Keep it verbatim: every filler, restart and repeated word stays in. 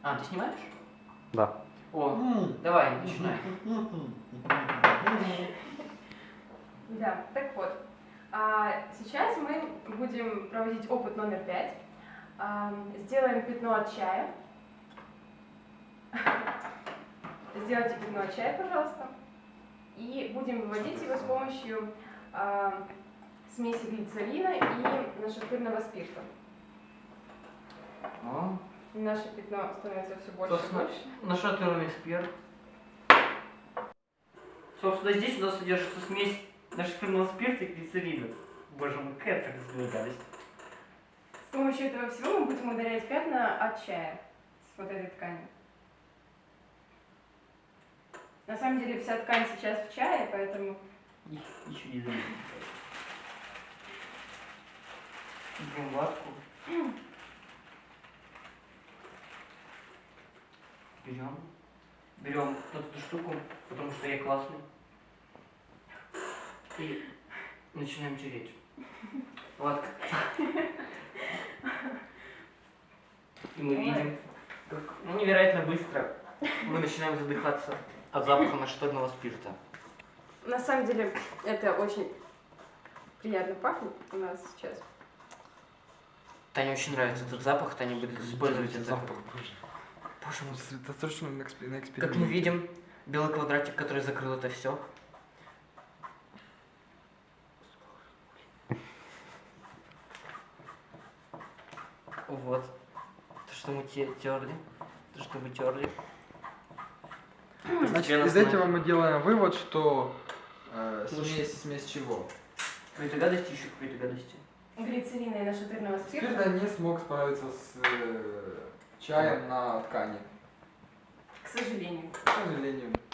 А, ты снимаешь? Да. О, давай, начинай. Да, так вот. А, сейчас мы будем проводить опыт номер пять. А, сделаем пятно от чая. Сделайте пятно от чая, пожалуйста. И будем выводить его с помощью а, смеси глицерина и нашатырного спирта. О, Наше пятно становится все больше и собственно, больше. нашатырный спирт. Собственно, здесь у нас содержится смесь нашатырного спирта и глицерина. Боже мой, какая так гадость. С помощью этого всего мы будем удалять пятна от чая с вот этой ткани. На самом деле вся ткань сейчас в чае, поэтому Их еще не заметил. Берем ватку. Берем. Берем вот эту штуку, потому что я классный. И начинаем тереть. Ватка. И мы видим, как ну, невероятно быстро мы начинаем задыхаться от запаха нашатырного спирта. на самом деле это очень приятно пахнет у нас сейчас. Тане очень нравится этот запах, Таня будет использовать этот запах. боже. Боже мой. Сосредоточено на, эксп... на эксперименте. Как мы видим, белый квадратик, который закрыл это все. Вот. То, что мы те- терли. То, что мы терли. Значит, из этого мы делаем вывод, что э, Слушай. смесь, смесь чего? Какой-то гадости, еще какой-то гадости. Глицерина и нашатырного спирта. Спирта не смог справиться с э, чаем на ткани, К сожалению. к сожалению.